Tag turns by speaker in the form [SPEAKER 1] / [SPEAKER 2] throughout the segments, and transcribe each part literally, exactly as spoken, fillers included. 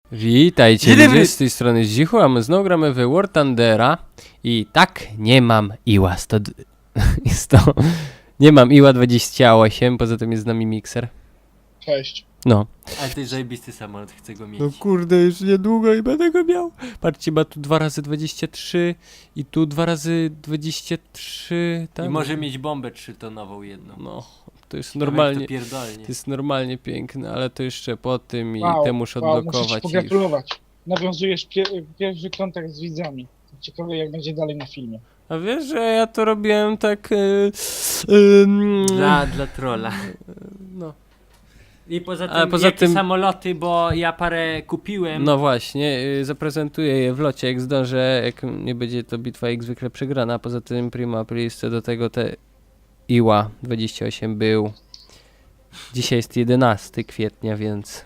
[SPEAKER 1] Witajcie ludzie, z tej strony Zdzichu, a my znowu gramy w War Thundera i tak, nie mam Iła sto... jest to... nie mam Iła dwadzieścia osiem, poza tym jest z nami mikser.
[SPEAKER 2] Cześć.
[SPEAKER 1] No.
[SPEAKER 3] Ale to jest zajebisty samolot, chcę go mieć.
[SPEAKER 1] No kurde, już niedługo i będę go miał. Patrzcie, ma tu dwa razy dwadzieścia trzy i tu dwa razy dwadzieścia trzy, tak?
[SPEAKER 3] I może mieć bombę trzytonową jedną.
[SPEAKER 1] No, to jest
[SPEAKER 3] Ciekawe,
[SPEAKER 1] normalnie...
[SPEAKER 3] jak to pierdolnie.
[SPEAKER 1] To jest normalnie piękne, ale to jeszcze po tym i
[SPEAKER 2] Wow,
[SPEAKER 1] te muszę
[SPEAKER 2] wow,
[SPEAKER 1] odblokować.
[SPEAKER 2] muszę ci
[SPEAKER 1] i już.
[SPEAKER 2] pogratulować. Nawiązujesz pier pierwszy kontakt z widzami. Ciekawe jak będzie dalej na filmie.
[SPEAKER 1] A wiesz, że ja to robiłem tak... Yy, yy,
[SPEAKER 3] Dla, dla trolla.
[SPEAKER 1] no.
[SPEAKER 3] I poza tym,
[SPEAKER 1] Ale poza
[SPEAKER 3] jakie
[SPEAKER 1] tym-
[SPEAKER 3] samoloty, bo ja parę kupiłem.
[SPEAKER 1] No właśnie, yy, zaprezentuję je w locie, jak zdążę, jak nie będzie to bitwa jak zwykle przegrana, a poza tym prima aprilis do tego te Iła dwadzieścia osiem był. Dzisiaj jest jedenastego kwietnia, więc...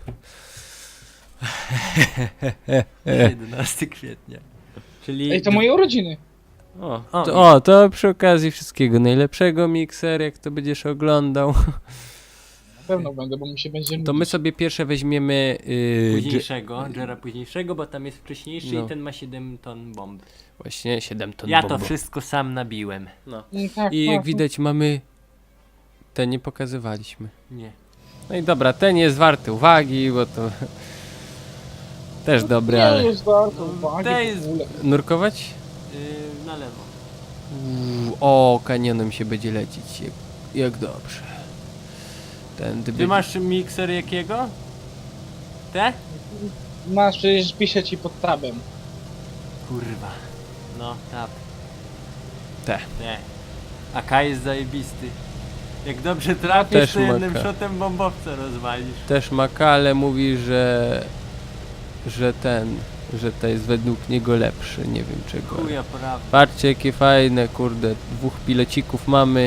[SPEAKER 3] jedenastego kwietnia. Czyli...
[SPEAKER 2] Ej, to moje urodziny.
[SPEAKER 1] O,
[SPEAKER 3] O.
[SPEAKER 1] to, o, to przy okazji wszystkiego najlepszego, mikser, jak to będziesz oglądał.
[SPEAKER 2] Na pewno będę, bo mi się będzie
[SPEAKER 1] To my sobie pierwsze weźmiemy... Yy,
[SPEAKER 3] późniejszego, Jera późniejszego, bo tam jest wcześniejszy
[SPEAKER 1] No.
[SPEAKER 3] i ten ma siedem ton bomb.
[SPEAKER 1] Właśnie siedem ton
[SPEAKER 3] Ja to
[SPEAKER 1] bombu.
[SPEAKER 3] wszystko sam nabiłem.
[SPEAKER 1] No.
[SPEAKER 2] Mm, tak,
[SPEAKER 1] I
[SPEAKER 2] tak,
[SPEAKER 1] jak widać mamy... Te nie pokazywaliśmy.
[SPEAKER 3] Nie.
[SPEAKER 1] No i dobra, ten jest warty uwagi, bo to... Też dobry,
[SPEAKER 2] nie
[SPEAKER 1] ale...
[SPEAKER 2] jest warto
[SPEAKER 3] No,
[SPEAKER 2] uwagi
[SPEAKER 3] to
[SPEAKER 2] w
[SPEAKER 3] jest-
[SPEAKER 2] ogóle.
[SPEAKER 1] Nurkować?
[SPEAKER 3] Yy, na lewo.
[SPEAKER 1] Uuu, o, kanionem się będzie lecieć. Jak, jak dobrze. Ten
[SPEAKER 3] Ty masz mikser jakiego? Te?
[SPEAKER 2] Masz, przecież piszę ci pod tabem.
[SPEAKER 3] Kurwa. No, tap.
[SPEAKER 1] Te.
[SPEAKER 3] Te. A K jest zajebisty. Jak dobrze trafisz,
[SPEAKER 1] Też
[SPEAKER 3] to jednym
[SPEAKER 1] ma K.
[SPEAKER 3] shotem bombowca rozwalisz.
[SPEAKER 1] Też Makale mówi, że... Że ten... Że to jest według niego lepszy, nie wiem czego. ale-
[SPEAKER 3] Chuja prawda.
[SPEAKER 1] Patrzcie jakie fajne, kurde, dwóch pilocików mamy.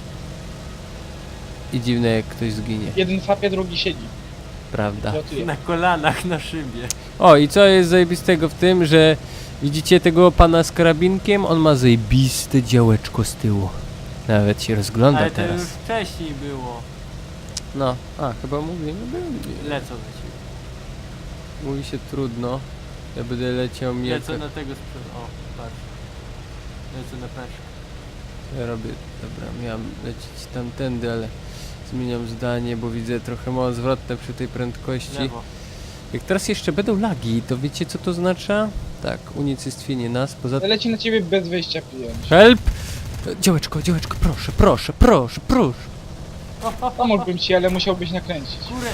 [SPEAKER 1] I dziwne jak ktoś zginie,
[SPEAKER 2] Jeden fapie, drugi siedzi.
[SPEAKER 1] prawda?
[SPEAKER 2] Lotuje.
[SPEAKER 3] Na kolanach, na szybie.
[SPEAKER 1] O, i co jest zajebistego w tym, że widzicie tego pana z karabinkiem? On ma zajebiste działeczko z tyłu. Nawet się rozgląda
[SPEAKER 3] Ale to
[SPEAKER 1] teraz.
[SPEAKER 3] już wcześniej było.
[SPEAKER 1] No, a chyba mówimy, byli.
[SPEAKER 3] Lecą na ciebie.
[SPEAKER 1] Mówi się trudno. Ja będę leciał mnie.
[SPEAKER 3] Lecą na tego sprzed... O, patrz. Lecą na peszkę.
[SPEAKER 1] Ja robię, dobra, miałem lecieć tamtędy, ale zmieniam zdanie, bo widzę trochę mało zwrotne przy tej prędkości.
[SPEAKER 3] Lewo.
[SPEAKER 1] Jak teraz jeszcze będą lagi, to wiecie co to oznacza? Tak, unicestwienie nas, poza tym...
[SPEAKER 2] Leci na ciebie bez wejścia pijąć.
[SPEAKER 1] Help! Działeczko, działeczko, proszę, proszę, proszę, proszę!
[SPEAKER 2] Pomógłbym ci, ale musiałbyś nakręcić.
[SPEAKER 3] Górę!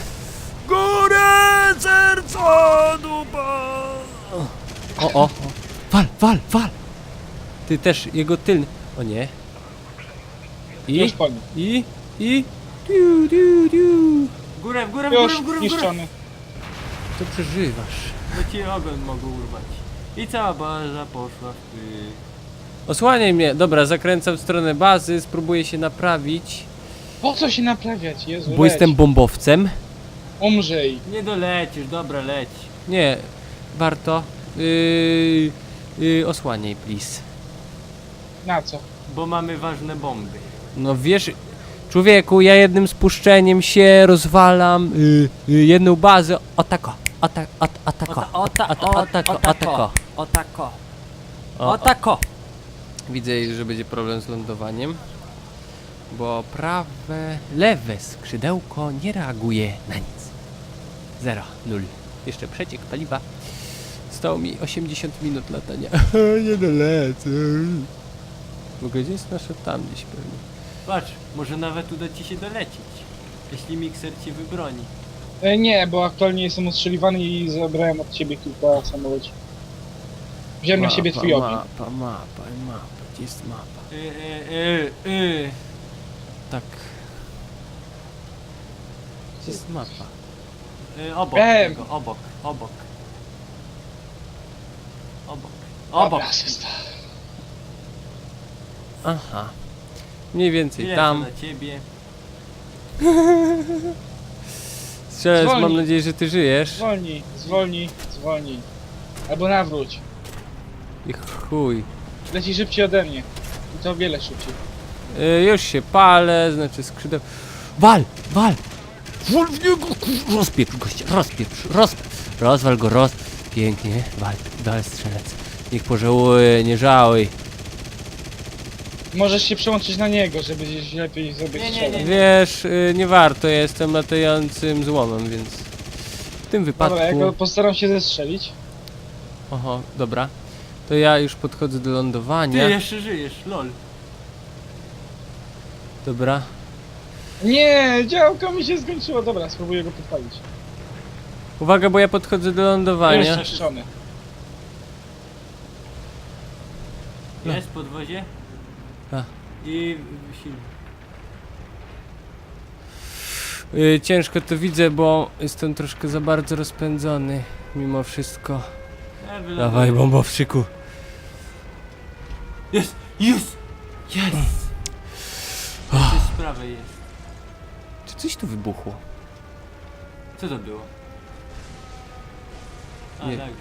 [SPEAKER 1] Górę, serca, dupa! O, o, o, wal, wal, wal! Ty też, jego tylny... O nie.
[SPEAKER 2] Już
[SPEAKER 1] I,
[SPEAKER 2] po nim.
[SPEAKER 1] i, i... Diu, diu, diu.
[SPEAKER 3] Górę, w górę, w górę,
[SPEAKER 2] Już
[SPEAKER 3] w górę, w górę!
[SPEAKER 2] niszczony.
[SPEAKER 1] To przeżywasz.
[SPEAKER 3] Bo ci ogon mogą urwać. I cała baza poszła w ty.
[SPEAKER 1] Osłaniaj mnie. Dobra, zakręcam w stronę bazy, spróbuję się naprawić,
[SPEAKER 2] Po co się naprawiać? Jezu,
[SPEAKER 1] bo
[SPEAKER 2] leć.
[SPEAKER 1] jestem bombowcem.
[SPEAKER 2] Umrzyj.
[SPEAKER 3] Nie dolecisz, dobra, leć.
[SPEAKER 1] Nie, warto. Yy, yy, osłaniaj, please.
[SPEAKER 2] Na co?
[SPEAKER 3] Bo mamy ważne bomby.
[SPEAKER 1] No wiesz, człowieku, ja jednym spuszczeniem się rozwalam yy, yy, jedną bazę. Otako, ota, ot, otako,
[SPEAKER 3] Ota,
[SPEAKER 1] ota, otako, otako.
[SPEAKER 3] Otako.
[SPEAKER 1] O, o.
[SPEAKER 3] Otako.
[SPEAKER 1] Widzę, że będzie problem z lądowaniem, bo prawe, lewe skrzydełko nie reaguje na nic. Zero, nul. Jeszcze przeciek paliwa. Zostało mi osiemdziesiąt minut latania. Nie dolecę. W ogóle gdzie jest nasze tam gdzieś pewnie.
[SPEAKER 3] Patrz, może nawet uda ci się dolecieć. Jeśli mikser ci wybroni.
[SPEAKER 2] E, nie, bo aktualnie jestem ostrzeliwany i zabrałem od ciebie kilka samolotów. Wziąłem na siebie twój ogień.
[SPEAKER 1] Mapa, mapa, mapa. Gdzie jest mapa?
[SPEAKER 3] Y, y, y, y.
[SPEAKER 1] Tak. Gdzie jest mapa?
[SPEAKER 3] Y, obok
[SPEAKER 2] Em.
[SPEAKER 3] tego, obok, obok. Obok. Obok.
[SPEAKER 2] Dobra, asysta.
[SPEAKER 1] Aha. Mniej więcej
[SPEAKER 3] Ile
[SPEAKER 1] tam.
[SPEAKER 3] na ciebie?
[SPEAKER 1] Strzelec, mam
[SPEAKER 2] Zwolnij.
[SPEAKER 1] nadzieję, że ty żyjesz.
[SPEAKER 2] Zwolnij, zwolnij, zwolnij. Albo nawróć.
[SPEAKER 1] I chuj.
[SPEAKER 2] Leci szybciej ode mnie. I to o wiele szybciej.
[SPEAKER 1] Y, już się palę, znaczy skrzydeł. Wal! Wal! Wal w niego! kur- Rozpieprz gościa, rozpieprz, rozpieprz. Rozwal go, roz... Pięknie, wal, dal strzelec. Niech pożałuje, nie żałuj.
[SPEAKER 2] Możesz się przełączyć na niego, żeby gdzieś lepiej sobie
[SPEAKER 3] Nie, nie,
[SPEAKER 2] strzelać.
[SPEAKER 3] nie.
[SPEAKER 1] Wiesz, y, nie warto, ja jestem latającym złomem, więc... W tym wypadku...
[SPEAKER 2] Dobra, ja go postaram się zestrzelić.
[SPEAKER 1] Oho, dobra. To ja już podchodzę do
[SPEAKER 3] Ty
[SPEAKER 1] lądowania.
[SPEAKER 3] jeszcze żyjesz, lol.
[SPEAKER 1] Dobra.
[SPEAKER 2] Nie, działko mi się skończyło. Dobra, spróbuję go podpalić.
[SPEAKER 1] Uwaga, bo ja podchodzę do lądowania.
[SPEAKER 2] Już zniszczony.
[SPEAKER 1] No.
[SPEAKER 3] Jest podwozie.
[SPEAKER 1] A.
[SPEAKER 3] I silnik.
[SPEAKER 1] Y, ciężko to widzę, bo jestem troszkę za bardzo rozpędzony. Mimo wszystko.
[SPEAKER 3] Ja wyląduję.
[SPEAKER 1] Dawaj, bombowczyku.
[SPEAKER 3] Jest! Jest! Jest! Coś z prawej jest.
[SPEAKER 1] Czy coś tu wybuchło?
[SPEAKER 3] Co to było? A,
[SPEAKER 1] Nie.
[SPEAKER 3] lagi.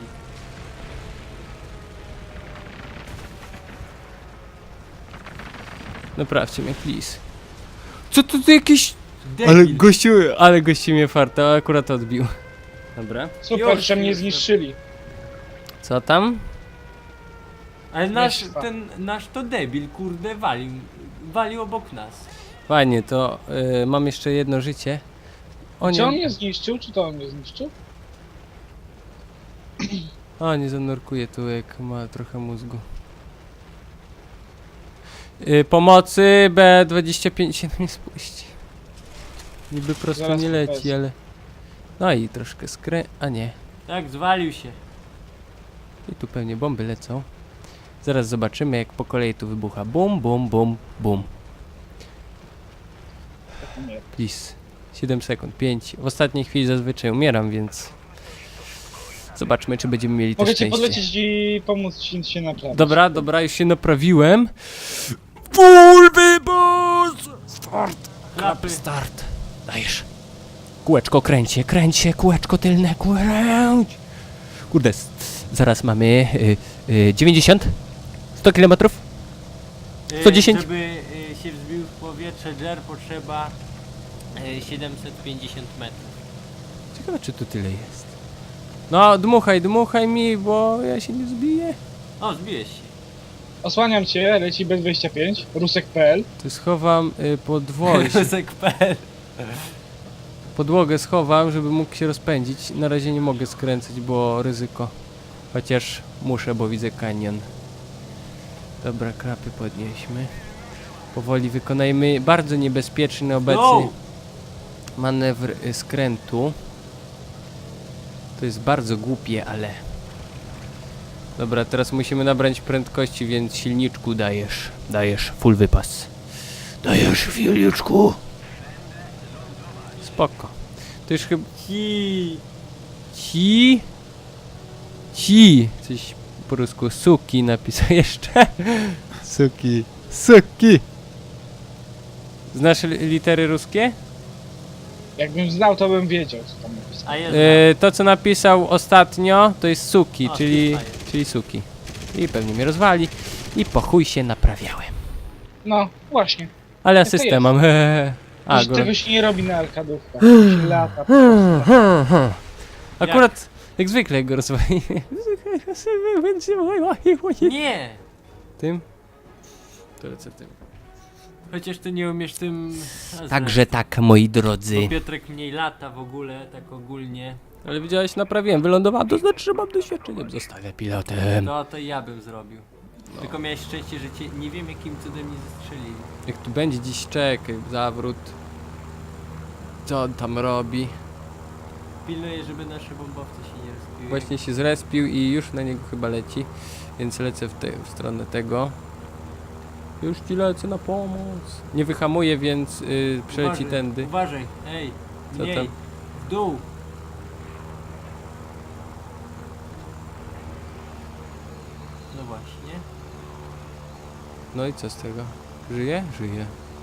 [SPEAKER 1] Naprawcie mnie, please. Co to tu jakieś...
[SPEAKER 3] Debil.
[SPEAKER 1] Ale gościu, ale gościu mnie farta, akurat odbił. Dobra.
[SPEAKER 2] Super,
[SPEAKER 3] Już,
[SPEAKER 2] że mnie
[SPEAKER 3] już,
[SPEAKER 2] zniszczyli.
[SPEAKER 1] Co tam?
[SPEAKER 3] Ale nasz,
[SPEAKER 2] Jeszcze.
[SPEAKER 3] ten, nasz to debil, kurde, walił. Walił obok nas.
[SPEAKER 1] Fajnie, to y, mam jeszcze jedno życie. O
[SPEAKER 2] Czy on
[SPEAKER 1] nie,
[SPEAKER 2] mnie zniszczył, czy to on mnie zniszczył?
[SPEAKER 1] o nie zanurkuje tu, jak ma trochę mózgu. Y, pomocy B dwadzieścia pięć się na mnie spuści. Niby prosto
[SPEAKER 2] Zaraz
[SPEAKER 1] nie leci,
[SPEAKER 2] pokażę.
[SPEAKER 1] ale... No i troszkę skrę... a nie.
[SPEAKER 3] Tak, zwalił się.
[SPEAKER 1] I tu pewnie bomby lecą. Zaraz zobaczymy, jak po kolei tu wybucha. Bum, bum, bum, bum.
[SPEAKER 2] Tak, nie.
[SPEAKER 1] Please. siedem sekund, pięć. W ostatniej chwili zazwyczaj umieram, więc... Zobaczmy, czy będziemy mieli to
[SPEAKER 2] Mogę ci
[SPEAKER 1] szczęście.
[SPEAKER 2] podlecieć i pomóc ci się naprawić.
[SPEAKER 1] Dobra, dobra, już się naprawiłem. Full wybuch! Start!
[SPEAKER 3] Klapy.
[SPEAKER 1] Start. Dajesz. Kółeczko kręć się, kręć się, kółeczko tylne, kręć! Kurde, s- zaraz mamy y, y, dziewięćdziesiąt? sto kilometrów?
[SPEAKER 3] Y,
[SPEAKER 1] sto dziesięć?
[SPEAKER 3] Żeby y, się wzbił w powietrze Jer potrzeba y, siedemset pięćdziesiąt metrów.
[SPEAKER 1] Ciekawe, czy tu tyle jest. No, dmuchaj, dmuchaj mi, bo ja się nie zbiję.
[SPEAKER 3] O, zbiłeś się.
[SPEAKER 2] Osłaniam cię, leci B dwadzieścia pięć, rusek kropka p l.
[SPEAKER 1] To schowam y, podwozie.
[SPEAKER 3] Rusek kropka p l.
[SPEAKER 1] Podłogę schowam, żeby mógł się rozpędzić. Na razie nie mogę skręcać, bo ryzyko. Chociaż muszę, bo widzę kanion. Dobra, krapy podnieśmy. Powoli wykonajmy bardzo niebezpieczny obecny
[SPEAKER 3] No!
[SPEAKER 1] manewr y, skrętu. To jest bardzo głupie, ale... Dobra, teraz musimy nabrać prędkości, więc silniczku dajesz. Dajesz full wypas. Dajesz silniczku. Spoko. To już chyba...
[SPEAKER 3] Ci.
[SPEAKER 1] Ci... Ci... Coś po rusku. Suki napisał jeszcze. Suki. Suki. Znasz li litery ruskie?
[SPEAKER 2] Jakbym znał, to bym wiedział, co tam napisał.
[SPEAKER 3] A jest.
[SPEAKER 1] E, to co napisał ostatnio to jest suki,
[SPEAKER 3] O,
[SPEAKER 1] czyli,
[SPEAKER 3] Spitfire.
[SPEAKER 1] czyli suki. I pewnie mnie rozwali. I po chuj się naprawiałem.
[SPEAKER 2] No, właśnie.
[SPEAKER 1] Ale
[SPEAKER 2] to
[SPEAKER 1] asystę
[SPEAKER 2] jest.
[SPEAKER 1] mam. A,
[SPEAKER 2] A,
[SPEAKER 1] go...
[SPEAKER 2] tego się nie robi na arkadówkach. To się lata po prostu.
[SPEAKER 1] Akurat jak zwykle go rozwali.
[SPEAKER 3] Nie!
[SPEAKER 1] Tym? To lecę tym.
[SPEAKER 3] Chociaż ty nie umiesz tym... a
[SPEAKER 1] Także tak, moi
[SPEAKER 3] zresztą,
[SPEAKER 1] drodzy.
[SPEAKER 3] bo Piotrek mniej lata w ogóle, tak ogólnie.
[SPEAKER 1] Ale widziałeś, naprawiłem, wylądowałem, to znaczy, że mam doświadczenie. Zostawię pilotem.
[SPEAKER 3] No to ja bym zrobił. Tylko miałeś szczęście, że cię nie wiem jakim cudem nie zastrzelili.
[SPEAKER 1] Jak tu będzie dziś czekaj, zawrót. Co on tam robi?
[SPEAKER 3] Pilnuję, żeby nasze bombowce się nie rozbiły.
[SPEAKER 1] Właśnie się zrespił i już na niego chyba leci. Więc lecę w, te, w stronę tego. Już ci lecę na pomoc. Nie wyhamuję, więc yy, przeleci
[SPEAKER 3] Uważaj,
[SPEAKER 1] tędy.
[SPEAKER 3] Uważaj, ej,
[SPEAKER 1] Co
[SPEAKER 3] mniej,
[SPEAKER 1] tam?
[SPEAKER 3] w dół. No właśnie.
[SPEAKER 1] No i co z tego? Żyje? Żyje.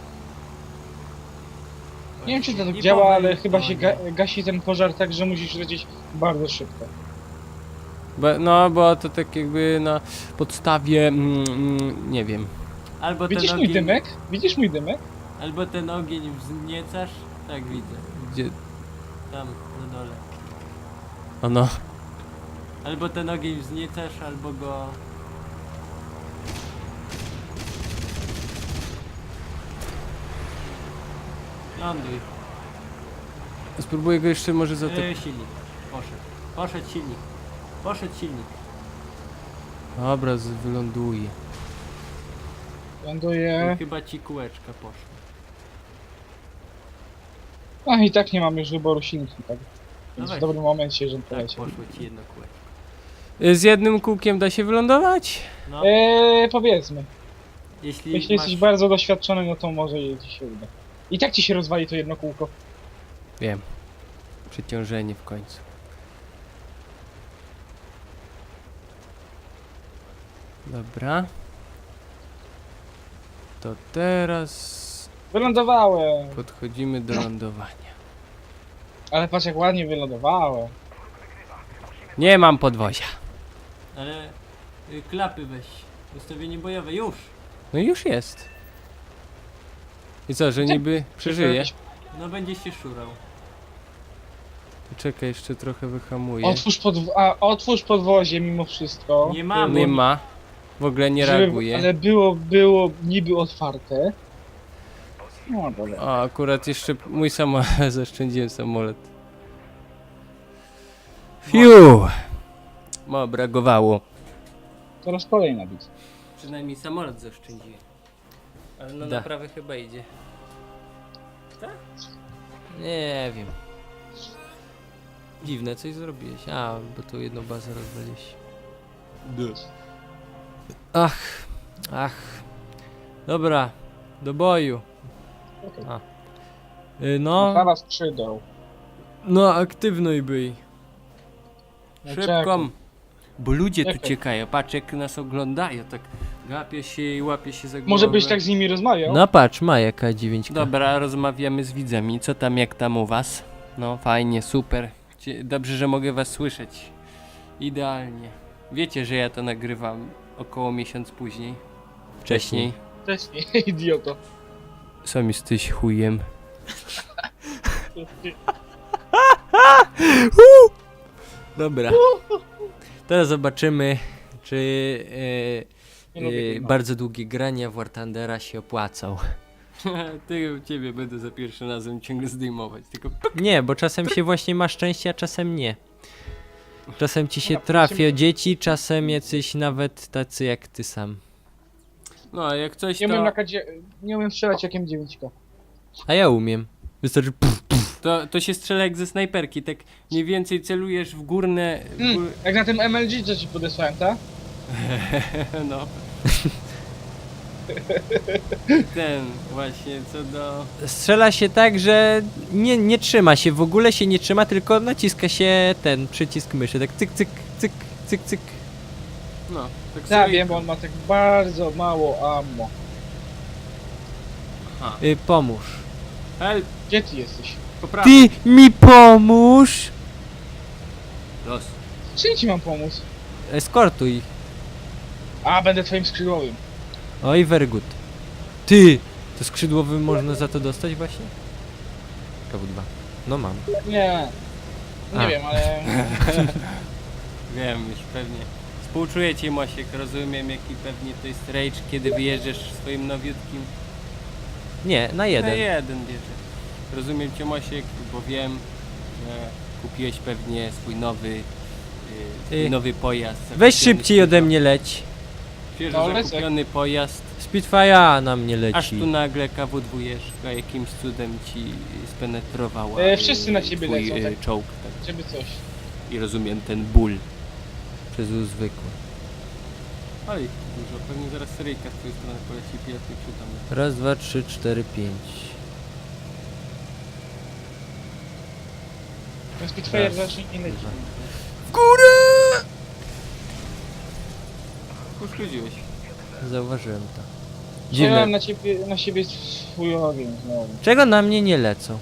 [SPEAKER 2] Nie wiem, czy to tak
[SPEAKER 3] I
[SPEAKER 2] działa,
[SPEAKER 3] powoli
[SPEAKER 2] ale chyba się ga
[SPEAKER 3] tonie.
[SPEAKER 2] gasi ten pożar tak, że musisz lecieć bardzo szybko.
[SPEAKER 1] Bo, no, bo to tak jakby na podstawie, mm, mm, nie wiem.
[SPEAKER 3] Albo
[SPEAKER 2] Widzisz
[SPEAKER 3] ten
[SPEAKER 2] mój
[SPEAKER 3] ogień,
[SPEAKER 2] dymek? Widzisz mój dymek?
[SPEAKER 3] albo ten ogień wzniecasz. Tak widzę.
[SPEAKER 1] Gdzie...
[SPEAKER 3] Tam, na dole.
[SPEAKER 1] Ono.
[SPEAKER 3] Albo ten ogień wzniecasz, albo go... Ląduj.
[SPEAKER 1] Spróbuję go jeszcze może za to...
[SPEAKER 3] Yy, silnik. Poszedł. Poszedł silnik. Poszedł silnik.
[SPEAKER 1] Dobra, z- wyląduje.
[SPEAKER 3] I
[SPEAKER 2] Ląduję.
[SPEAKER 3] chyba ci kółeczka poszło.
[SPEAKER 2] No i tak nie mam już wyboru silnika. Tak. Więc
[SPEAKER 3] weź.
[SPEAKER 2] w dobrym momencie, że
[SPEAKER 3] Tak,
[SPEAKER 2] poleciał.
[SPEAKER 3] poszło ci jedno kółeczko.
[SPEAKER 1] Y, Z jednym kółkiem da się wylądować?
[SPEAKER 3] No,
[SPEAKER 2] Eee, powiedzmy.
[SPEAKER 3] jeśli,
[SPEAKER 2] Jeśli
[SPEAKER 3] masz...
[SPEAKER 2] jesteś bardzo doświadczony, no to może ci się uda. I tak ci się rozwali to jedno kółko.
[SPEAKER 1] Wiem. Przeciążenie w końcu. Dobra. To teraz
[SPEAKER 2] Wylądowałem.
[SPEAKER 1] podchodzimy do lądowania.
[SPEAKER 2] Ale patrz jak ładnie wylądowałem.
[SPEAKER 1] Nie mam podwozia.
[SPEAKER 3] Ale y, klapy weź. Ustawienie bojowe, już!
[SPEAKER 1] No i już jest. I co, że niby przeżyje?
[SPEAKER 3] No będzie się szurał.
[SPEAKER 1] Czekaj, jeszcze trochę wyhamuję.
[SPEAKER 2] Otwórz, podw a, otwórz podwozie mimo wszystko.
[SPEAKER 3] Nie ma,
[SPEAKER 1] Nie
[SPEAKER 3] bo-
[SPEAKER 1] ma. W ogóle nie
[SPEAKER 2] Żeby-
[SPEAKER 1] reaguje.
[SPEAKER 2] Ale było, było niby otwarte. No dobra.
[SPEAKER 1] O, akurat jeszcze mój samolot, zaszczędziłem samolot. Fiu! Mo, brakowało.
[SPEAKER 2] Teraz kolejna bitwa.
[SPEAKER 3] Przynajmniej samolot zaoszczędziłem. Ale no
[SPEAKER 1] Da.
[SPEAKER 3] naprawy chyba idzie.
[SPEAKER 1] Nie wiem. Dziwne, coś zrobiłeś. A, bo tu jedną bazę rozwaliłeś. Ach, ach. Dobra, do boju.
[SPEAKER 2] Okay.
[SPEAKER 1] A. Y, No,
[SPEAKER 2] Naprawa skrzydeł.
[SPEAKER 1] no aktywnuj byj.
[SPEAKER 2] No
[SPEAKER 1] Szybko.
[SPEAKER 2] czekaj.
[SPEAKER 1] Bo ludzie tu
[SPEAKER 2] Czekaj.
[SPEAKER 1] ciekają, patrz jak nas oglądają, tak gapię się i łapię się za głowę.
[SPEAKER 2] Może byś tak z nimi rozmawiał?
[SPEAKER 1] No patrz, ma jaka dziewięć. Dobra, rozmawiamy z widzami. Co tam, jak tam u was? No fajnie, super. Cie- Dobrze, że mogę was słyszeć. Idealnie. Wiecie, że ja to nagrywam około miesiąc później. Wcześniej.
[SPEAKER 2] Wcześniej, idioto.
[SPEAKER 1] Sam jesteś chujem. Dobra. Teraz zobaczymy, czy e,
[SPEAKER 2] Nie lubię
[SPEAKER 1] e,
[SPEAKER 2] tej mapy.
[SPEAKER 1] bardzo długie grania w War Thundera się opłacał. Ty ciebie będę za pierwszym razem ciągle zdejmować, tylko nie, bo czasem się właśnie ma szczęście, a czasem nie. Czasem ci się
[SPEAKER 2] Dobra,
[SPEAKER 1] trafią dzieci, czasem jacyś nawet tacy jak ty sam. No, a jak coś
[SPEAKER 2] Nie umiem,
[SPEAKER 1] to...
[SPEAKER 2] na kadzie... nie umiem strzelać jak M dziewięć K.
[SPEAKER 1] A ja umiem. Wystarczy puf, puf. To, to się strzela jak ze snajperki, tak mniej więcej celujesz w górne... W gór...
[SPEAKER 2] Hmm, jak na tym M L G, co ci podesłałem, tak?
[SPEAKER 1] No. Ten właśnie, co do... Strzela się tak, że nie, nie trzyma się, w ogóle się nie trzyma, tylko naciska się ten przycisk myszy, tak cyk, cyk, cyk, cyk, cyk. No, tak
[SPEAKER 2] Tak, wiem, bo on ma tak bardzo mało ammo.
[SPEAKER 1] Y, pomóż. Help,
[SPEAKER 2] Gdzie ty jesteś?
[SPEAKER 1] ty mi pomóż! Los.
[SPEAKER 2] Czym ci mam pomóc?
[SPEAKER 1] Eskortuj.
[SPEAKER 2] A, będę twoim skrzydłowym.
[SPEAKER 1] Oj, very good. Ty! To skrzydłowy można za to dostać właśnie? K W dwa. No mam.
[SPEAKER 2] Nie. Nie
[SPEAKER 1] A.
[SPEAKER 2] wiem, ale...
[SPEAKER 1] Wiem, już pewnie. Współczuję ci, Mosiek, rozumiem jaki pewnie to jest rage, kiedy wyjeżdżasz swoim nowiutkim. Nie, na jeden. Na jeden bierze. Rozumiem cię, Mosiek, bo wiem, że kupiłeś pewnie swój nowy, yy, swój
[SPEAKER 4] Y,
[SPEAKER 1] nowy pojazd.
[SPEAKER 4] Weź
[SPEAKER 1] zakupiony
[SPEAKER 4] szybciej ode
[SPEAKER 1] świeżo-
[SPEAKER 4] mnie leć.
[SPEAKER 1] Świeżo
[SPEAKER 2] No, lecę.
[SPEAKER 1] zakupiony pojazd.
[SPEAKER 4] Spitfire na mnie leci.
[SPEAKER 1] Aż tu nagle K W dwa jakimś cudem ci spenetrowała
[SPEAKER 2] E, wszyscy na
[SPEAKER 1] yy,
[SPEAKER 2] ciebie
[SPEAKER 1] twój,
[SPEAKER 2] lecą,
[SPEAKER 1] yy,
[SPEAKER 2] tak.
[SPEAKER 1] czołg. Tak.
[SPEAKER 2] Żeby coś.
[SPEAKER 1] I rozumiem ten ból.
[SPEAKER 4] Przez U zwykły.
[SPEAKER 1] Oj, dużo. Pewnie zaraz seryjka z twojej strony poleci pięknie przytomny.
[SPEAKER 4] Raz, dwa, trzy, cztery, pięć.
[SPEAKER 2] Ten Spitfire
[SPEAKER 4] Raz,
[SPEAKER 2] zacznie nie leci.
[SPEAKER 4] dwa.
[SPEAKER 1] W górę! Uszkodziłeś.
[SPEAKER 4] Zauważyłem to.
[SPEAKER 2] Dziwne.
[SPEAKER 4] Dziwne.
[SPEAKER 2] na ciebie, na siebie swój ogień znowu.
[SPEAKER 4] Czego na mnie nie lecą?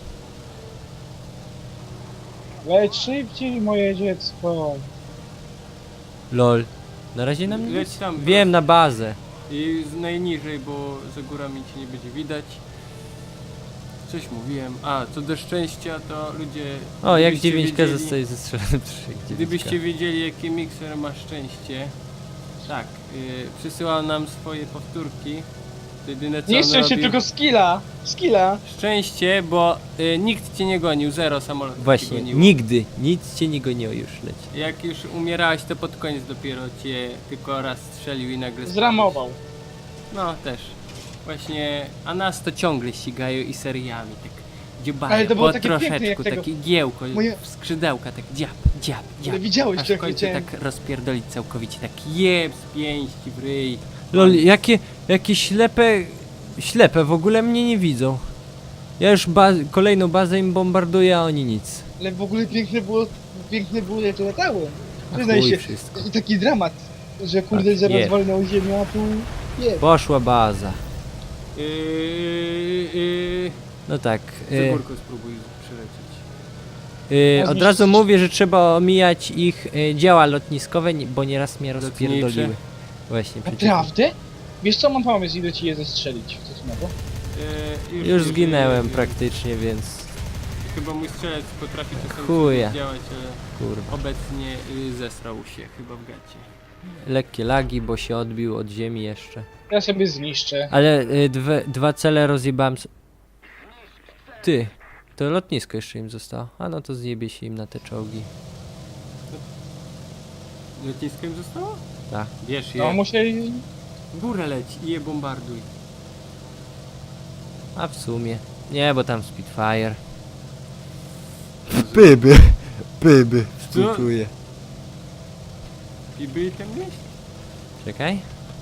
[SPEAKER 2] Leć szybciej, moje dziecko.
[SPEAKER 4] Lol. Na razie na mnie
[SPEAKER 1] Leć
[SPEAKER 4] nic?
[SPEAKER 1] tam,
[SPEAKER 4] Wiem, na bazę.
[SPEAKER 1] I z najniżej, bo za górami cię nie będzie widać. Coś mówiłem. A, co do szczęścia, to ludzie...
[SPEAKER 4] O, jak
[SPEAKER 1] gdybyście
[SPEAKER 4] dziewięć K
[SPEAKER 1] wiedzieli-
[SPEAKER 4] zostaje zestrzelony przy
[SPEAKER 1] Gdybyście wiedzieli, jaki mikser ma szczęście. Tak, yy, przysyłał nam swoje powtórki. To jedyne co
[SPEAKER 2] Nie
[SPEAKER 1] on
[SPEAKER 2] szczęście,
[SPEAKER 1] robił...
[SPEAKER 2] tylko skilla. Skilla.
[SPEAKER 1] Szczęście, bo y, nikt cię nie gonił, zero samolotów cię
[SPEAKER 4] Właśnie,
[SPEAKER 1] goniło.
[SPEAKER 4] nigdy, nic cię nie goniło już leci.
[SPEAKER 1] Jak już umierałeś, to pod koniec dopiero cię tylko raz strzelił i nagle spadłeś.
[SPEAKER 2] Zramował.
[SPEAKER 1] No, też. Właśnie, a nas to ciągle ścigają i seriami, tak dziobają,
[SPEAKER 2] Ale to było
[SPEAKER 1] po
[SPEAKER 2] takie piękne,
[SPEAKER 1] troszeczku,
[SPEAKER 2] jak tego-
[SPEAKER 1] takie giełko,
[SPEAKER 2] Moje-
[SPEAKER 1] skrzydełka, tak dziab, dziab, dziab.
[SPEAKER 2] Ale widziałeś,
[SPEAKER 1] Aż
[SPEAKER 2] jak
[SPEAKER 1] w końcu
[SPEAKER 2] leciałem.
[SPEAKER 1] tak rozpierdolić całkowicie, tak jeb z pięści w ryj.
[SPEAKER 4] Lol, jakie, jakie ślepe, ślepe, w ogóle mnie nie widzą. Ja już ba kolejną bazę im bombarduję, a oni nic.
[SPEAKER 2] Ale w ogóle piękne było, piękne było jak latało.
[SPEAKER 4] A
[SPEAKER 2] Przyznaj
[SPEAKER 4] chuj
[SPEAKER 2] się.
[SPEAKER 4] wszystko.
[SPEAKER 2] I taki dramat, że kurde,
[SPEAKER 4] Tak,
[SPEAKER 2] że
[SPEAKER 4] je.
[SPEAKER 2] rozwalnął ziemię, a tu nie.
[SPEAKER 4] Poszła baza.
[SPEAKER 1] Yy, yy,
[SPEAKER 4] No tak.
[SPEAKER 1] za
[SPEAKER 4] Y,
[SPEAKER 1] górkę spróbuj przylecieć.
[SPEAKER 4] y,
[SPEAKER 2] A
[SPEAKER 4] od
[SPEAKER 2] zniszczyć-
[SPEAKER 4] razu mówię, że trzeba omijać ich y, działa lotniskowe, nie- bo nieraz mnie
[SPEAKER 1] Lotnicze.
[SPEAKER 4] rozpierdoliły. Właśnie, przeciwko.
[SPEAKER 2] Naprawdę? Wiesz co, mam pomysł, idę ci je zestrzelić. Coś nowego.
[SPEAKER 1] Yy,
[SPEAKER 4] Już
[SPEAKER 1] yy,
[SPEAKER 4] zginęłem
[SPEAKER 1] yy,
[SPEAKER 4] praktycznie, więc
[SPEAKER 1] Chyba mój strzelec potrafi czasami
[SPEAKER 4] Chuja.
[SPEAKER 1] coś działać, ale
[SPEAKER 4] kurwa.
[SPEAKER 1] obecnie y, zesrał się chyba w gacie.
[SPEAKER 4] Lekkie lagi, bo się odbił od ziemi jeszcze.
[SPEAKER 2] Ja sobie zniszczę.
[SPEAKER 4] Ale y, dwe, dwa cele rozjebałem. s- Ty, to lotnisko jeszcze im zostało. A no to zjebie się im na te czołgi.
[SPEAKER 1] Lotnisko im zostało?
[SPEAKER 4] Tak.
[SPEAKER 1] Wiesz, je.
[SPEAKER 2] No muszę...
[SPEAKER 1] W górę leci i je bombarduj.
[SPEAKER 4] A w sumie. Nie, bo tam Spitfire. Byby, byby,
[SPEAKER 1] współczuję. I byli tam gdzieś?
[SPEAKER 4] Czekaj.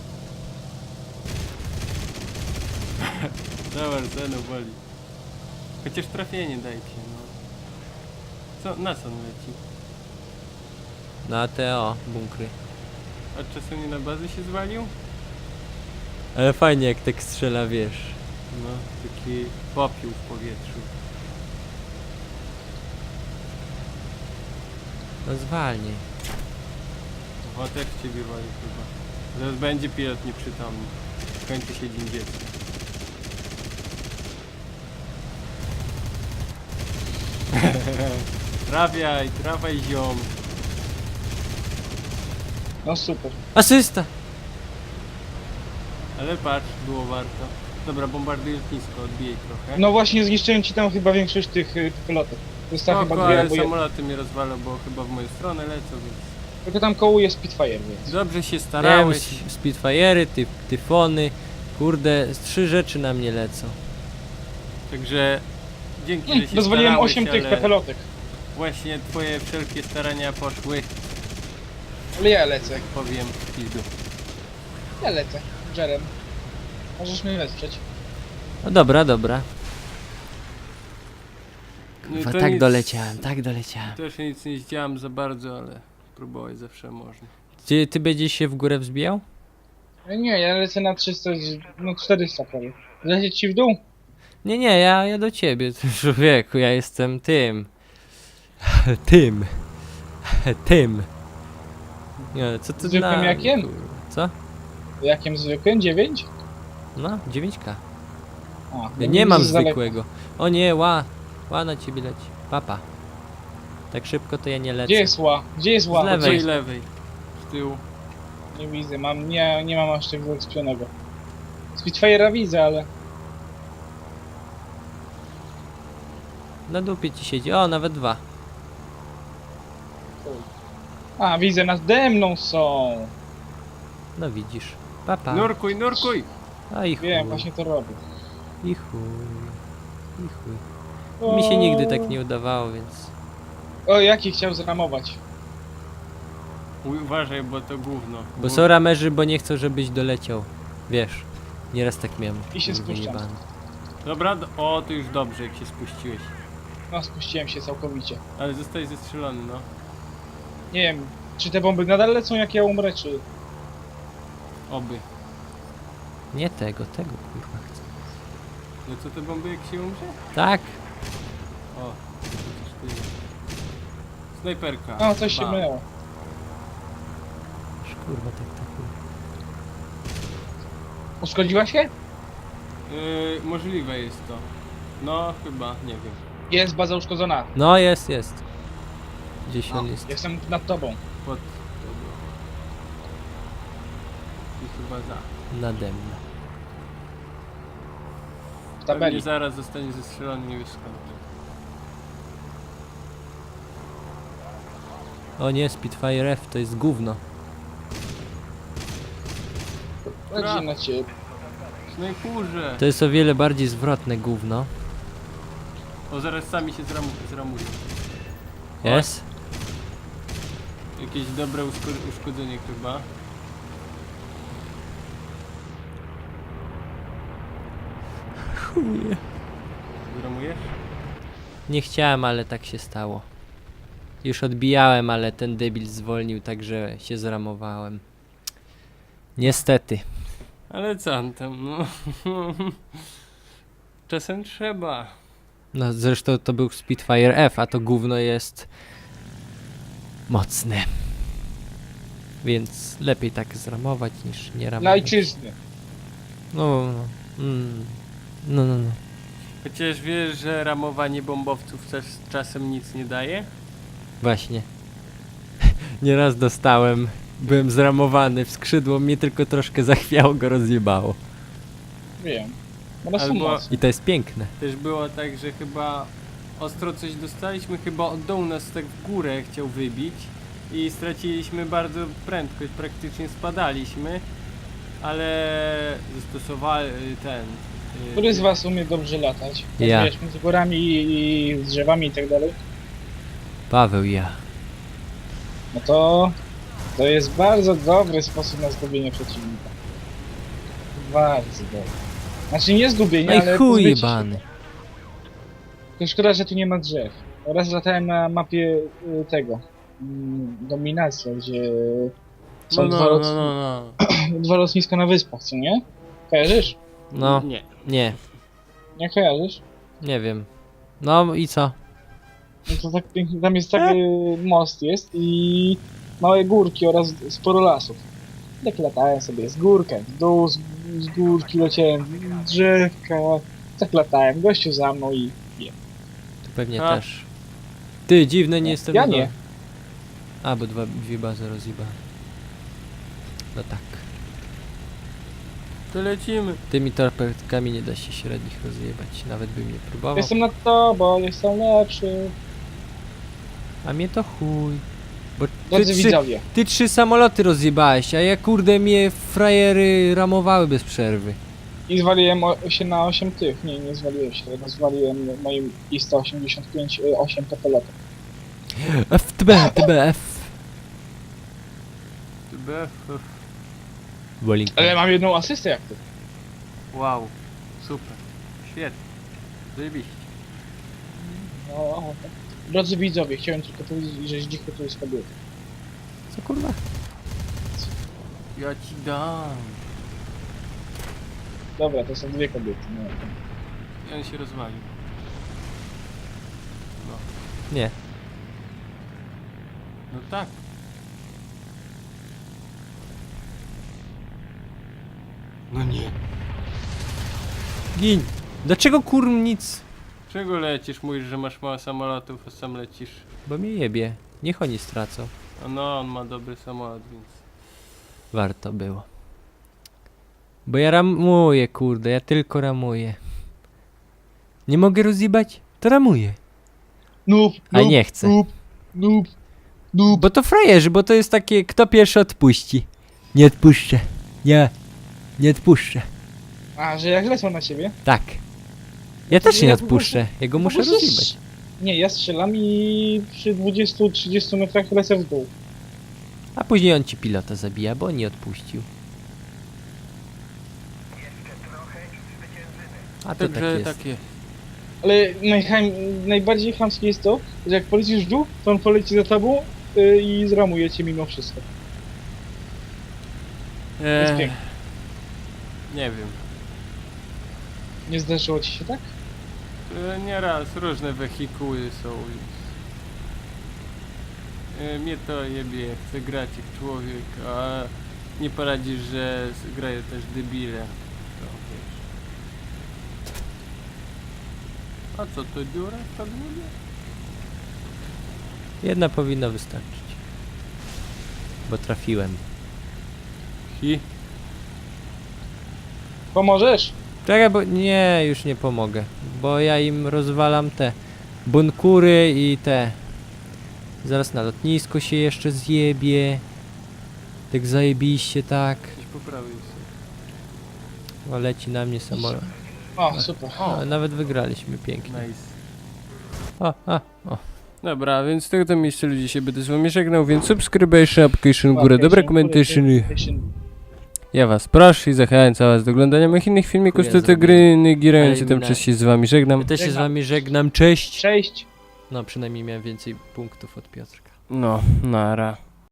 [SPEAKER 1] Zobacz, ceno boli. Chociaż trafienie dajcie, no. Co, na co on leci?
[SPEAKER 4] Na te o, bunkry.
[SPEAKER 1] A czasem nie na bazę się zwalił?
[SPEAKER 4] Ale fajnie jak tak strzela, wiesz.
[SPEAKER 1] No, taki popiół w powietrzu.
[SPEAKER 4] No zwalnij.
[SPEAKER 1] O, też ciebie wali chyba. Zaraz będzie pilot nieprzytomny. Kończy się dzień dziecka. Trafiaj, trafiaj ziom.
[SPEAKER 2] No super.
[SPEAKER 4] Asysta!
[SPEAKER 1] Ale patrz, było warto. Dobra, bombarduj lotnisko, odbijaj trochę.
[SPEAKER 2] No właśnie zniszczyłem ci tam chyba większość tych y, pilotek. Została chyba
[SPEAKER 1] Spoko,
[SPEAKER 2] dwie
[SPEAKER 1] ale
[SPEAKER 2] albo jedna.
[SPEAKER 1] samoloty mnie rozwalą, bo chyba w moją stronę lecą, więc...
[SPEAKER 2] Tylko tam kołuje Spitfire, więc...
[SPEAKER 1] Dobrze się
[SPEAKER 4] Miałem
[SPEAKER 1] starałeś.
[SPEAKER 4] Spitfire'y, ty, tyfony. Kurde, z trzy rzeczy na mnie lecą.
[SPEAKER 1] Także... Dzięki,
[SPEAKER 2] Mm,
[SPEAKER 1] że się
[SPEAKER 2] Dozwoliłem
[SPEAKER 1] starałeś,
[SPEAKER 2] osiem tych
[SPEAKER 1] ale
[SPEAKER 2] pepelotek.
[SPEAKER 1] właśnie twoje wszelkie starania poszły,
[SPEAKER 2] Ale ja lecę.
[SPEAKER 1] powiem, w pizdu.
[SPEAKER 2] Ja lecę. Jerem. Możesz mnie wesprzeć.
[SPEAKER 4] No dobra, dobra.
[SPEAKER 1] No i
[SPEAKER 4] Kurwa,
[SPEAKER 1] to
[SPEAKER 4] tak
[SPEAKER 1] nic-
[SPEAKER 4] doleciałem, tak doleciałem.
[SPEAKER 1] Też nic nie zdziałam za bardzo, ale próbować zawsze można.
[SPEAKER 4] Ty, ty będziesz się w górę wzbijał?
[SPEAKER 2] E, Nie, ja lecę na trzysta, no czterysta prawie. Lecieć ci w dół?
[SPEAKER 4] Nie, nie, ja, ja do ciebie, ty człowieku, ja jestem tym. Tym. Tym. Nie, co ty
[SPEAKER 2] Zwykłym
[SPEAKER 4] na...
[SPEAKER 2] jakiem?
[SPEAKER 4] kurwa, Co?
[SPEAKER 2] Jakim zwykłym? dziewięć?
[SPEAKER 4] No, dziewięć K.
[SPEAKER 2] A,
[SPEAKER 4] Ja
[SPEAKER 2] no
[SPEAKER 4] nie mam
[SPEAKER 2] z daleka.
[SPEAKER 4] zwykłego. O nie, ła. Ła na ciebie leci. Papa. Tak szybko to ja nie lecę.
[SPEAKER 2] Gdzie jest ła? Gdzie jest ła?
[SPEAKER 4] Z lewej.
[SPEAKER 1] Lewej,
[SPEAKER 2] Gdzie
[SPEAKER 1] lewej, z tyłu.
[SPEAKER 2] Nie widzę, mam, nie, nie mam aż tego wyekspionego. Spitfire'a widzę, ale...
[SPEAKER 4] Na dupie ci siedzi. O, nawet dwa.
[SPEAKER 2] A, widzę, nade mną są!
[SPEAKER 4] No widzisz. Papa.
[SPEAKER 1] Nurkuj, nurkuj!
[SPEAKER 4] A i chuj.
[SPEAKER 2] Wiem, właśnie to robię.
[SPEAKER 4] I chuj. I chuj. Mi się nigdy tak nie udawało, więc...
[SPEAKER 2] O, jaki chciał zramować.
[SPEAKER 1] Uj, uważaj, bo to gówno.
[SPEAKER 4] Bo są ramerzy, bo nie chcą, żebyś doleciał. Wiesz. Nieraz tak miałem.
[SPEAKER 2] I się
[SPEAKER 4] Kurwa,
[SPEAKER 2] spuszczam.
[SPEAKER 4] jebany.
[SPEAKER 1] Dobra, do... o, to już dobrze, jak się spuściłeś.
[SPEAKER 2] No, spuściłem się całkowicie.
[SPEAKER 1] Ale zostałeś zestrzelony, no.
[SPEAKER 2] Nie wiem, czy te bomby nadal lecą, jak ja umrę, czy...
[SPEAKER 1] Oby.
[SPEAKER 4] Nie tego, tego kurwa chcę.
[SPEAKER 1] No co te bomby, jak się umrze?
[SPEAKER 4] Tak.
[SPEAKER 1] O, przecież ty jest. Snajperka.
[SPEAKER 2] No, coś się
[SPEAKER 1] Bam.
[SPEAKER 2] myło.
[SPEAKER 4] Aż kurwa tak tak. kurwa.
[SPEAKER 2] Uszkodziła się?
[SPEAKER 1] Yy, możliwe jest to.
[SPEAKER 3] No chyba, nie wiem.
[SPEAKER 2] Jest baza uszkodzona.
[SPEAKER 4] No jest, jest. Gdzieś
[SPEAKER 2] No,
[SPEAKER 4] on jest.
[SPEAKER 2] jestem nad tobą.
[SPEAKER 3] Pod... I chyba za.
[SPEAKER 4] Nade mną.
[SPEAKER 2] W
[SPEAKER 3] Pewnie
[SPEAKER 2] tabeli.
[SPEAKER 3] zaraz zostanie zestrzelony, nie wiesz skąd.
[SPEAKER 4] O nie, Spitfire F to jest gówno.
[SPEAKER 2] Bardziej na ciebie.
[SPEAKER 3] Snajpurze!
[SPEAKER 4] To jest o wiele bardziej zwrotne gówno.
[SPEAKER 3] O, zaraz sami się zramu zramują.
[SPEAKER 4] Jest?
[SPEAKER 3] Jakieś dobre uszko- uszkodzenie chyba.
[SPEAKER 4] Chuje.
[SPEAKER 3] Zramujesz?
[SPEAKER 4] Nie chciałem, ale tak się stało. Już odbijałem, ale ten debil zwolnił, także się zramowałem. Niestety.
[SPEAKER 3] Ale co on tam, no. Czasem trzeba.
[SPEAKER 4] No zresztą to był Spitfire F, a to gówno jest mocne. Więc lepiej tak zramować niż nie
[SPEAKER 2] Dla
[SPEAKER 4] ramować.
[SPEAKER 2] ojczyzny.
[SPEAKER 4] No, no, mm. no, no, no.
[SPEAKER 3] Chociaż wiesz, że ramowanie bombowców też czasem nic nie daje?
[SPEAKER 4] Właśnie. Nieraz dostałem, byłem zramowany w skrzydło, mnie tylko troszkę zachwiało, go rozjebało.
[SPEAKER 2] Wiem. One są
[SPEAKER 3] Albo-
[SPEAKER 2] mocne.
[SPEAKER 4] I to jest piękne.
[SPEAKER 3] Też było tak, że chyba ostro coś dostaliśmy, chyba od dołu nas tak w górę chciał wybić i straciliśmy bardzo prędkość, praktycznie spadaliśmy, ale zastosowali ten... y,
[SPEAKER 2] Który z was umie dobrze latać?
[SPEAKER 4] Ja.
[SPEAKER 2] Wiesz, między górami i i z drzewami i tak dalej.
[SPEAKER 4] Paweł, ja.
[SPEAKER 2] No to... To jest bardzo dobry sposób na zgubienie przeciwnika. Bardzo dobry. Znaczy nie zgubienie,
[SPEAKER 4] No i
[SPEAKER 2] ale
[SPEAKER 4] chuj
[SPEAKER 2] pozbycie się.
[SPEAKER 4] jebany.
[SPEAKER 2] Tylko szkoda, że tu nie ma drzew. Raz latałem na mapie y, tego. mm, Dominacja, gdzie są
[SPEAKER 3] No,
[SPEAKER 2] dwa,
[SPEAKER 3] no,
[SPEAKER 2] lot...
[SPEAKER 3] no, no, no.
[SPEAKER 2] dwa lotniska na wyspach, co nie? Kojarzysz?
[SPEAKER 4] No,
[SPEAKER 3] Nie.
[SPEAKER 4] nie,
[SPEAKER 2] Nie kojarzysz?
[SPEAKER 4] nie wiem. No i co?
[SPEAKER 2] No to tak pięknie, tam jest taki most jest i małe górki oraz sporo lasów. Tak latałem sobie z górkę, w dół, z, z górki leciałem, drzewka, tak latałem, gościu za mną i...
[SPEAKER 4] Tu pewnie
[SPEAKER 3] A.
[SPEAKER 4] też. Ty, dziwne, nie jestem
[SPEAKER 2] Ja
[SPEAKER 4] na dole.
[SPEAKER 2] nie.
[SPEAKER 4] A, bo dwa, dwie bazy rozjebałem. No tak.
[SPEAKER 3] To lecimy.
[SPEAKER 4] Tymi torpedkami nie da się średnich rozjebać, nawet bym nie próbował.
[SPEAKER 2] Jestem nad tobą, jestem lepszy.
[SPEAKER 4] A mnie to chuj. Bo ty
[SPEAKER 2] Drodzy
[SPEAKER 4] trzy,
[SPEAKER 2] widzowie,
[SPEAKER 4] ty trzy samoloty rozjebałeś, a ja kurde mnie frajery ramowały bez przerwy.
[SPEAKER 2] i zwaliłem o, się na osiem tych, nie, nie zwaliłem się, tylko zwaliłem moim I sto osiemdziesiąt pięć y, osiem pepelotem.
[SPEAKER 4] F T B, T B, F.
[SPEAKER 3] B F.
[SPEAKER 4] Bolinka.
[SPEAKER 2] Ale mam jedną asystę jak ty.
[SPEAKER 3] Wow. Super. Świetnie. Zajebiście.
[SPEAKER 2] No, drodzy widzowie, chciałem tylko powiedzieć, że Zdzichu to jest kobieta.
[SPEAKER 4] Co kurwa?
[SPEAKER 3] Ja ci dam.
[SPEAKER 2] Dobra, to są dwie kobiety. No.
[SPEAKER 3] I on się rozwalił.
[SPEAKER 4] Nie.
[SPEAKER 3] No tak. No nie.
[SPEAKER 4] Gin. Dlaczego kurm nic?
[SPEAKER 3] Czego lecisz? Mówisz, że masz mało samolotów, a sam lecisz.
[SPEAKER 4] Bo mnie jebie. Niech oni stracą.
[SPEAKER 3] A no, on ma dobry samolot, więc...
[SPEAKER 4] Warto było. Bo ja ramuję, kurde, ja tylko ramuję. Nie mogę rozjebać? To ramuję.
[SPEAKER 2] Noob,
[SPEAKER 4] A
[SPEAKER 2] noob,
[SPEAKER 4] nie chcę.
[SPEAKER 2] Noob, noob, noob.
[SPEAKER 4] Bo to frajerzy, bo to jest takie, kto pierwszy odpuści. Nie odpuszczę. Nie. Nie odpuszczę.
[SPEAKER 2] A, że jak lecą na ciebie?
[SPEAKER 4] Tak. Ja
[SPEAKER 2] to
[SPEAKER 4] też
[SPEAKER 2] ja
[SPEAKER 4] nie
[SPEAKER 2] po prostu-
[SPEAKER 4] odpuszczę. Ja go
[SPEAKER 2] Po
[SPEAKER 4] muszę
[SPEAKER 2] prostu
[SPEAKER 4] rozjebać.
[SPEAKER 2] strz- Nie, ja strzelam i przy dwudziestu trzydziestu metrach lecę w dół.
[SPEAKER 4] A później on ci pilota zabija, bo nie odpuścił. A to tak
[SPEAKER 3] Także
[SPEAKER 4] jest.
[SPEAKER 3] takie.
[SPEAKER 2] Ale najcham, najbardziej chamskie jest to, że jak polecisz w dół, to on poleci za tobą y, i zramuje cię mimo wszystko. jest
[SPEAKER 3] Eee,
[SPEAKER 2] piękne.
[SPEAKER 3] nie wiem.
[SPEAKER 2] Nie zdarzyło ci się tak?
[SPEAKER 3] E, Nieraz różne wehikuły są. Więc... E, mnie to jebie, chcę grać jak człowiek, a nie poradzisz, że s- grają też debile. To, wiesz. A co, to dziura w kadłubie?
[SPEAKER 4] Jedna powinna wystarczyć. Bo trafiłem.
[SPEAKER 3] Hi.
[SPEAKER 2] Pomożesz?
[SPEAKER 4] Czekaj, bo nie, już nie pomogę. Bo ja im rozwalam te bunkury i te. Zaraz na lotnisko się jeszcze zjebie. Tak zajebiście, tak.
[SPEAKER 3] Gdzieś po prawej jest.
[SPEAKER 4] O, leci na mnie samolot.
[SPEAKER 2] O, super.
[SPEAKER 4] A, nawet wygraliśmy pięknie.
[SPEAKER 3] Nice.
[SPEAKER 4] O, a, o.
[SPEAKER 3] Dobra, więc z tego to miejsca ludzie się będę z wami żegnał, więc subscription, application, górę, dobre komentarze. Ja was proszę i zachęcam was do oglądania moich innych filmików z
[SPEAKER 4] Chuja
[SPEAKER 3] tej gry, nie girając się tam
[SPEAKER 4] Eliminacja.
[SPEAKER 3] przez się z wami żegnam.
[SPEAKER 4] Ja też się z
[SPEAKER 2] Żegnam.
[SPEAKER 4] wami żegnam, cześć!
[SPEAKER 2] Cześć.
[SPEAKER 4] No, przynajmniej miałem więcej punktów od Piotrka.
[SPEAKER 3] No, nara.